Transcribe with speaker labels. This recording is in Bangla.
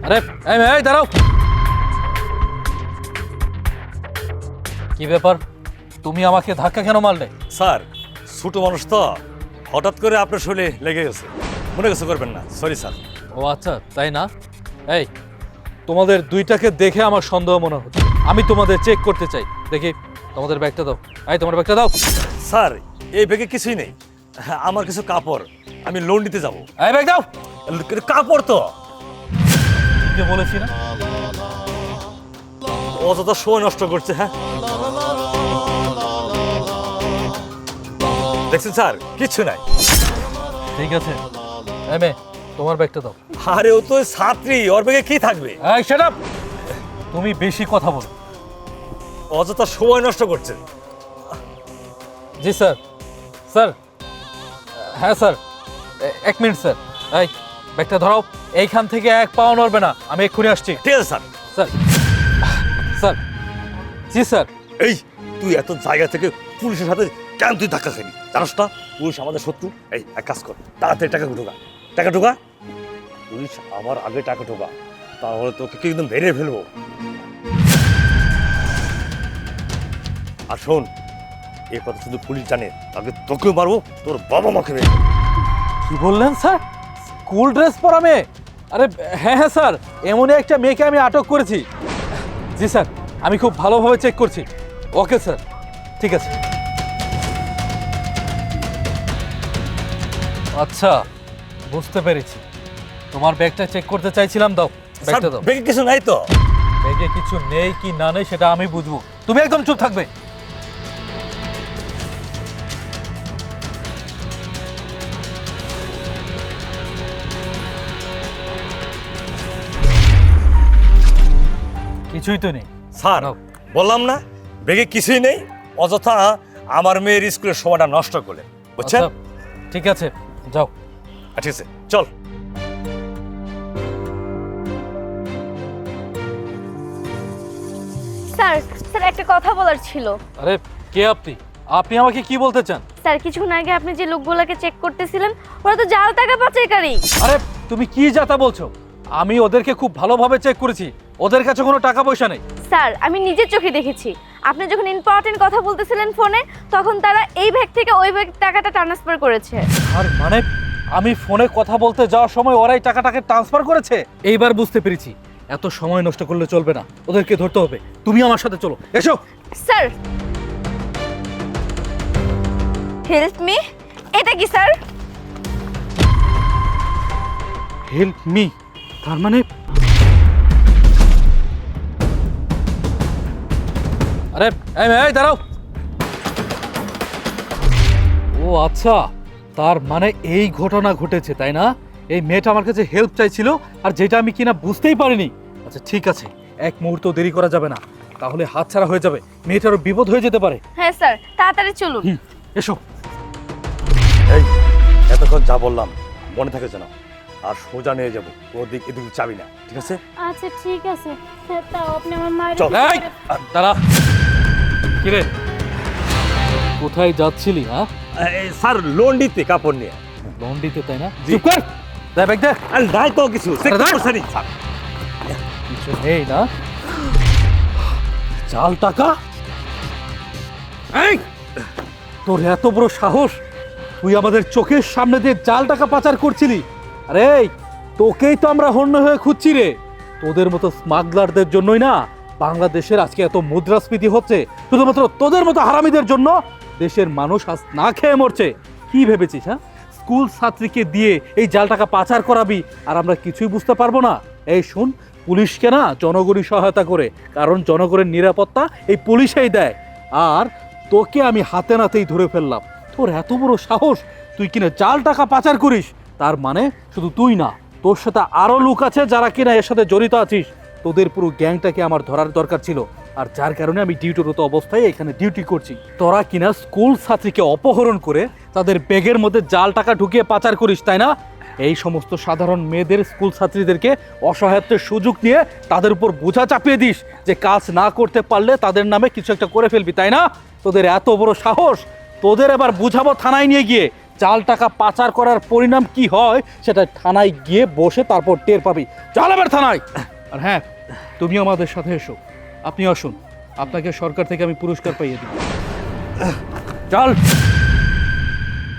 Speaker 1: আরে এই দাঁড়াও। কি ব্যাপার, তুমি আমাকে ধাক্কা কেন মারলে?
Speaker 2: স্যার ছোট মানুষ তো, হঠাৎ করে আপনার শরীরে লেগে গেছে, মনে কিছু করবেন না, সরি স্যার।
Speaker 1: ও আচ্ছা, তাই না? এই তোমাদের দুইটাকে দেখে আমার সন্দেহ মনে হচ্ছে। আমি তোমাদের চেক করতে চাই। দেখি তোমাদের ব্যাগটা দাও। এই তোমার ব্যাগটা দাও।
Speaker 2: স্যার এই ব্যাগে কিছুই নেই, আমার কিছু কাপড়, আমি লোন নিতে যাব।
Speaker 1: এই ব্যাগ দাও।
Speaker 2: কাপড় তো
Speaker 1: কে বলেছি না?
Speaker 2: অযথা সময় নষ্ট করছে। হ্যাঁ দেখছেন স্যার, কিচ্ছু নাই।
Speaker 1: ঠিক আছে, এই মেয়ে তোমার ব্যাগটা দাও।
Speaker 2: আরে ও তো ছাত্রী, ওর ব্যাগে কি থাকবে?
Speaker 1: এই শাট আপ, তুমি বেশি কথা বলো।
Speaker 2: অযথা সময় নষ্ট করছে।
Speaker 1: জি স্যার। স্যার, হ্যাঁ স্যার, এক মিনিট স্যার। এই ব্যাগটা ধরাও। এইখান থেকে এক পাও নড়বে না, আমি এক্ষুনি আসছি।
Speaker 2: ঠিক আছে স্যার।
Speaker 1: স্যার, স্যার, জি স্যার।
Speaker 2: এই তুই এত জায়গা থেকে পুলিশের সাথে কেন তুই ধাক্কা খাবি? জানাস না পুলিশ আমাদের শত্রু? এই এক কাজ কর, তাড়াতাড়ি টাকা ঢোকা, টাকা ঢোকা। পুলিশ আমার আগে টাকা ঢোকা, তাহলে তোকে কিন্তু মেরে ফেলবো। আর শোন, এই কথা শুধু পুলিশ জানে, আগে তোকেও মারবো, তোর বাবা মাকে মেরে ফেলবো।
Speaker 1: কি বললেন স্যার? স্কুল ড্রেস পরা মেয়ে? আরে হ্যাঁ হ্যাঁ স্যার, এমনই একটা মেয়েকে আমি আটক করেছি। জি স্যার, আমি খুব ভালোভাবে চেক করছি। ওকে স্যার, ঠিক আছে। আচ্ছা, বুঝতে পেরেছি। তোমার ব্যাগটা চেক করতে চাইছিলাম, দাও ব্যাগটা দাও।
Speaker 2: ব্যাগে কিছু নাই তো?
Speaker 1: ব্যাগে কিছু নেই কি না নেই সেটা আমি বুঝবো, তুমি একদম চুপ থাকবে। কিছুই তো নেই
Speaker 2: স্যার
Speaker 1: নাও।
Speaker 2: বললাম না ব্যাগে কিছুই নেই, অযথা আমার মেয়ের স্কুলের সময়টা নষ্ট করলেন, বুঝছেন?
Speaker 1: আচ্ছা, ঠিক আছে, যাও।
Speaker 2: ঠিক আছে চল।
Speaker 3: স্যার স্যার একটা কথা বলার ছিল।
Speaker 1: আরে কে আপনি? আপনি আমাকে কি বলতে চান?
Speaker 3: স্যার কিছুক্ষণ আগে আপনি যে লোকগুলোকে চেক করতেছিলেন, ওরা তো জাল টাকা পাচারকারী।
Speaker 1: আরে তুমি কি যাতা বলছো? আমি ওদেরকে খুব ভালোভাবে চেক করেছি, ওদের কাছে কোনো টাকা পয়সা নেই।
Speaker 3: স্যার আমি নিজের চোখে দেখেছি, আপনি যখন ইম্পর্টেন্ট কথা বলতেছিলেন ফোনে, তখন তারা এই ব্যাগ থেকে ওই ব্যাগ টাকাটা ট্রান্সফার করেছে।
Speaker 1: আর মানে আমি ফোনে কথা বলতে যাওয়ার সময় ওরাই টাকাটাকে ট্রান্সফার করেছে? এইবার বুঝতে পেরেছি, এত সময় নষ্ট করলে চলবে না, ওদেরকে ধরতে হবে। তুমি আমার সাথে চলো, এসো।
Speaker 3: স্যার হেল্প মি, এটা কি স্যার?
Speaker 1: হেল্প মি, তার মানে আরে এই দাঁড়াও। ও আচ্ছা, তার মানে এই ঘটনা ঘটেছে তাই না? এই মেয়েটা আমার কাছে হেল্প চাইছিল, আর যেটা আমি কিনা বুঝতেই পারিনি। আচ্ছা ঠিক আছে, এক মুহূর্ত দেরি করা যাবে না, তাহলে হাতছাড়া হয়ে যাবে, মেয়েটারও বিপদ হয়ে যেতে পারে।
Speaker 3: হ্যাঁ স্যার, তাড়াতাড়ি চলুন।
Speaker 1: এসো।
Speaker 2: এই এতক্ষণ যা বললাম মনে থাকে যেন, আর সোজা নিয়ে যাবো, ওর দিক এদিকে চাবি না, ঠিক আছে?
Speaker 3: আচ্ছা ঠিক আছে স্যার, তাও আপনি আমার মায়ের
Speaker 2: চল।
Speaker 1: এই দাঁড়া, কিরে কোথায় যাচ্ছিলি? হ্যাঁ
Speaker 2: স্যার লোন দিতে কাপড় নিয়ে।
Speaker 1: লোন দিতে তাই না?
Speaker 2: জি।
Speaker 1: চুপ কর, দে ব্যাগ দে।
Speaker 2: আর নাই তো কিছু,
Speaker 1: আরে দাঁড়া।
Speaker 2: স্যার
Speaker 1: কিছু নেই না? জাল টাকা? এই তোর এত বড় সাহস, তুই আমাদের চোখের সামনে দিয়ে জাল টাকা পাচার করছিলি? আরে তোকেই তো আমরা হন্য হয়ে খুঁজছি রে। তোদের মতো স্মাগলারদের জন্যই না বাংলাদেশের আজকে এত মুদ্রাস্ফীতি হচ্ছে, শুধুমাত্র তোদের মতো হারামিদের জন্য দেশের মানুষ আজ না খেয়ে মরছে। কি ভেবেছিস? হ্যাঁ, স্কুল ছাত্রীকে দিয়ে এই জাল টাকা পাচার করাবি আর আমরা কিছুই বুঝতে পারবো না? এই শোন, পুলিশকে না জনগণই সহায়তা করে, কারণ জনগণের নিরাপত্তা এই পুলিশেই দেয়। আর তোকে আমি হাতে নাতেই ধরে ফেললাম। তোর এত বড় সাহস, তুই কিনা জাল টাকা পাচার করিস? তার মানে শুধু তুই না, তোর সাথে আরো লোক আছে যারা কিনা এর সাথে জড়িত আছিস। তোদের পুরো গ্যাংটাকে আমার ধরার দরকার ছিল, আর যার কারণে আমি ডিউটিরত অবস্থায় এখানে ডিউটি করছি। তোরা কিনা স্কুল ছাত্রীকে অপহরণ করে তাদের ব্যাগের মধ্যে জাল টাকা ঢুকিয়ে পাচার করিস, তাই না? এই সমস্ত সাধারণ মেয়েদের, স্কুল ছাত্রীদেরকে অসহায়ত্বের সুযোগ নিয়ে তাদের উপর বোঝা চাপিয়ে দিস যে কাজ না করতে পারলে তাদের নামে কিছু একটা করে ফেলবি, তাই না? তোদের এত বড় সাহস, তোদের এবার বুঝাবো থানায় নিয়ে গিয়ে জাল টাকা পাচার করার পরিণাম কি হয় সেটা থানায় গিয়ে বসে তারপর টের পাবি। চল এবার থানায়। আর হ্যাঁ, তুমি আমাদের সাথে এসো। আপনি আসুন, আপনাকে সরকার থেকে আমি পুরস্কার পাইয়ে দিব। চল।